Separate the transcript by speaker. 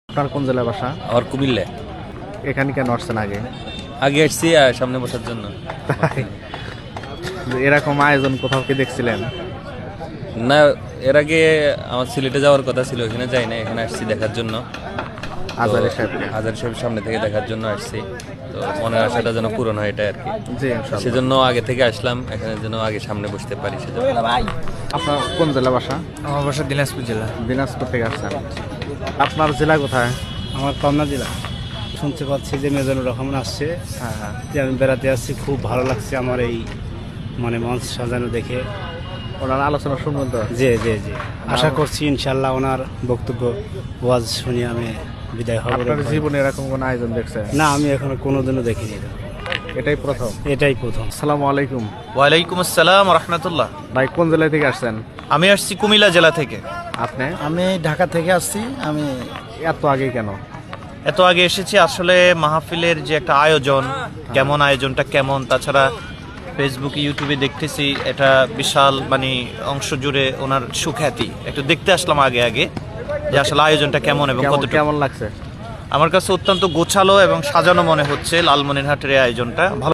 Speaker 1: আপনার কোন জেলায় বাসা?
Speaker 2: আমার কুমিল্লা।
Speaker 1: এখানে কেন আসছেন আগে?
Speaker 2: আগে আসছি সামনে বসার জন্য।
Speaker 1: তাই? এরকম আয়োজন কোথাও কি দেখছিলেন?
Speaker 2: না, এর আগে আমার সিলেটে যাওয়ার কথা ছিল, এখানে যাই না, এখানে আসছি দেখার জন্য।
Speaker 1: আজারে সাহেব।
Speaker 2: হাজার সাহেব সামনে থেকে দেখার জন্য আসছি, তো মনের আশাটা যেন পূরণ হয় এটা আর কি।
Speaker 1: জি ইনশাআল্লাহ।
Speaker 2: সেজন্য আগে থেকে আসলাম, এখানে যেন আগে সামনে বসতে পারি সেজন্য।
Speaker 1: আপনার কোন জেলা বাসা?
Speaker 3: আমার বাসা দিনাজপুর জেলা।
Speaker 1: দিনাজপুর থেকে আসছেন। আপনার জেলা কোথায়?
Speaker 3: আমার পাবনা জেলা। শুনতে পাচ্ছি যে মেজানুর রহমান আসছে,
Speaker 1: হ্যাঁ হ্যাঁ।
Speaker 3: যে আমি বেড়াতে আসছি, খুব ভালো লাগছে আমার এই মানে মঞ্চ সাজানো দেখে।
Speaker 1: ওনার আলোচনা শুনবেন তো?
Speaker 3: জি জি জি, আশা করছি ইনশাল্লাহ ওনার বক্তব্য ওয়াজ শুনে আমি বিদায় হব।
Speaker 1: আপনার জীবনে এরকম কোন আয়োজন দেখছেন?
Speaker 3: না, আমি এখনো কোনোদিনও দেখিনি।
Speaker 1: এটাই প্রথম?
Speaker 3: এটাই প্রথম।
Speaker 1: আসসালামু আলাইকুম।
Speaker 4: ওয়ালাইকুম আসসালাম রহমতুল্লাহ।
Speaker 1: ভাই কোন জেলা থেকে আসছেন?
Speaker 4: আমি আসছি কুমিল্লা জেলা থেকে।
Speaker 1: আপনি?
Speaker 3: আমি ঢাকা থেকে আসছি। আমি
Speaker 1: এত আগে কেন?
Speaker 4: এত আগে এসেছি আসলে মাহফিলের যে একটা আয়োজন, কেমন আয়োজনটা কেমন, তাছাড়া ফেসবুকে ইউটিউবে দেখতেছি এটা বিশাল মানে অংশ জুড়ে ওনার সুখ্যাতি, একটু দেখতে আসলাম আগে আগে যে আসলে আয়োজনটা কেমন এবং কতটুকু।
Speaker 1: কেমন লাগছে?
Speaker 4: আমার কাছে অত্যন্ত গোছালো এবং সাজানো মনে হচ্ছে লালমনিরহাটের এই আয়োজনটা। ভালো